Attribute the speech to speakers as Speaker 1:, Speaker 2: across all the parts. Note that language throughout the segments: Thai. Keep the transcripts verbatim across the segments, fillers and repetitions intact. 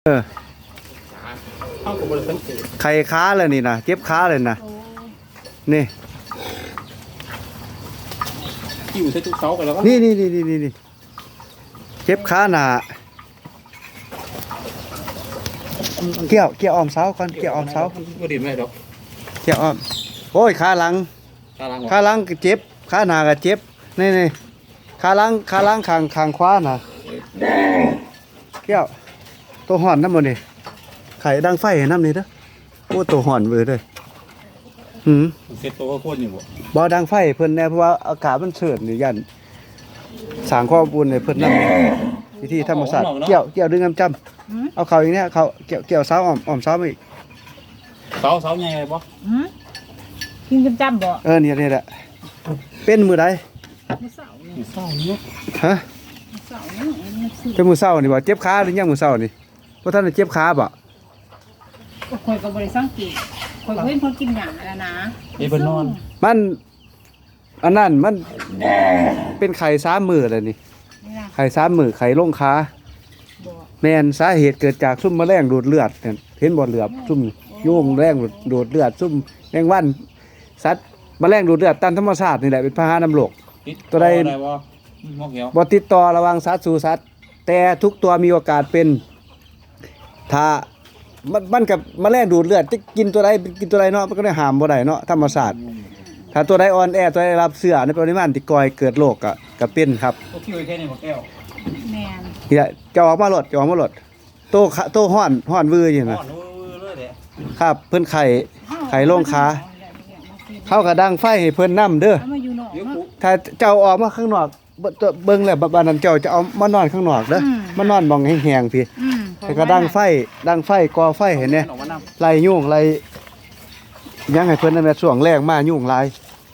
Speaker 1: เออ
Speaker 2: เข้ากับบริษัทเกิด
Speaker 1: ไข่ค้าเลยนี่นะเจ็บค้าเลยนะนี่
Speaker 2: อยู่ใช้ทุกเสากันแล้วก็
Speaker 1: นี่นี่นี่นี่นี่นี่เจ็บค้าหนาเกี่ยวเกี่ยวอ้อมเสาก่อนเกี่ยวอ้อมเสา
Speaker 2: ก็ดีไม่ดอก
Speaker 1: เกี่ยวอ้อมโอ้ยขาหลัง
Speaker 2: ขาหลัง
Speaker 1: ขาหลังก็เจ็บขาหน้าก็เจ็บนี่นี่ขาหลังขาหลังข้างข้างขวาน่ะเกี่ยวตัวห่อนน้ำมันนี่ไข่ดังไฟน้ำนี่เด้อโอ้ตัวห่อนเว้ยเลยหืม
Speaker 2: เซตตัวโคตรนี่บ่
Speaker 1: บ่ดังไฟเพิ่นแน่เพราะว่าอากาศมันเฉิดนี่ยันสร้างความอุ่นให้เพิ่นนำวิธีธรรมชาติเกี่ยวเกี่ยวดึงน้ำจำเอาเข้าอีกเนี่ยเขาเกี่ยวเกี่ยวเสาอ้อมอ้อมเสามาอีก
Speaker 2: เสาเสาใหญ่บ่
Speaker 3: หืมกินจำจำบ่
Speaker 1: เออเนี่ยนี่แหละเป็นมือใด
Speaker 3: มื้อเช้านี่
Speaker 2: เสานี่
Speaker 1: ฮะ
Speaker 3: มื้อเช้านี่
Speaker 1: เป็นมือเช้านี่บ่เจ็บขาหรือยังมือเช้านี่บ่ทันได้เจ็บขาบ่
Speaker 3: ข่อยก็บ่ได้สังเกตข่อยก็เห็นเพิ่นกินหยังแล้วนะ
Speaker 2: เอ้เพิ่นนอน
Speaker 1: มันอันนั้นมันเป็นไข่สามมื้อแล้วนี่ไข่สามมื้อไข่ลงขาแม่นสาเหตุเกิดจากซุ่มแมลงดูดเลือดเห็นบ่เหลือบซุ่มยุงแมลงดูดเลือดซุ่มแมงวันสัตว์แมลงดูดเลือดตามธรรมชาตินี่แหละเป็นพาหะนำโรคตัวใด
Speaker 2: บ่มอกเหี่ยว
Speaker 1: บ่ติดต่อระหว่างสัตว์สู่สัตว์แต่ทุกตัวมีโอกาสเป็นถ้ามันมันกับแมลงดูดเลือดจะกินตัวใดกินตัวใดเนาะมันก็ได้ห้ามบ่ได้เนาะธรรมชาติถ้าตัวใดอ่อนแอตัวใดรับเชื้อในปริมาณที่ก่อให้เกิดโรคก็ก็เป็นครับ
Speaker 2: โอเคแค่นี้บ่แก้ว
Speaker 3: แม่น
Speaker 1: นี่แหละจะออกมาโลดจะออกมาโลดโตโตฮ้อนฮ้อนวืออยู่น่ะครับเพิ่นไข่ไข่ลงขาเฮาก็ดังไฟให้เพิ่นนำเด้อถ้าเจ้าออกมาข้างนอกเบิ่งแล้วบัดนั้นเจ้าจะเอามานอนข้างนอกเด้อมานอนมองแห้งๆพี่แล้วก็ดังไฟดังไฟก่อไฟเห็นแน่ไล่ยุงไล่ยังให้เพิ่นนั่นแหละช่วงแรกมายุงหลาย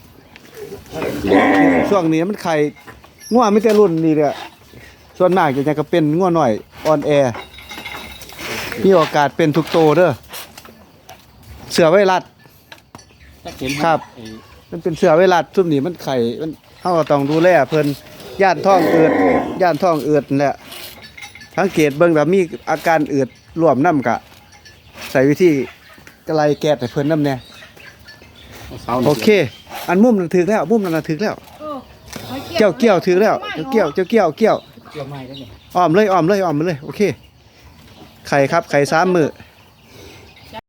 Speaker 1: ช่วงนี้มันไข่งัวมีแต่รุ่นนี่แหละส่วนมากจะก็เป็นงัวน้อยอ่อนแอมีโอกาสเป็นทุกโตเด้อเสือไวรัสครับมันเป็นเสือไวรัสซุ่มนี่มันไข่มันเฮาก็ต้องดูแลเพิ่นย่านท้องอืดย่านท้องอืดนั่นแหละสังเกตเบิ่งแบบมีอาการอืดร่วมนำกะใส่วิธีกระไลแก๊สให้เพิ่นนำแน่โอเคอันมุมนั้นถึกแล้วมุมนั้นน่ะถึกแล้วเกี่ยวเกี่ยวถึกแล้วเกี่ยวเกี่ยวเกี่ยวเกี่ยว
Speaker 2: เกี่ยวไม้ได้นี่
Speaker 1: อ้อมเลยอ้อมเลยอ้อมเลยโอเคไข่ครับไข่สามมื้อ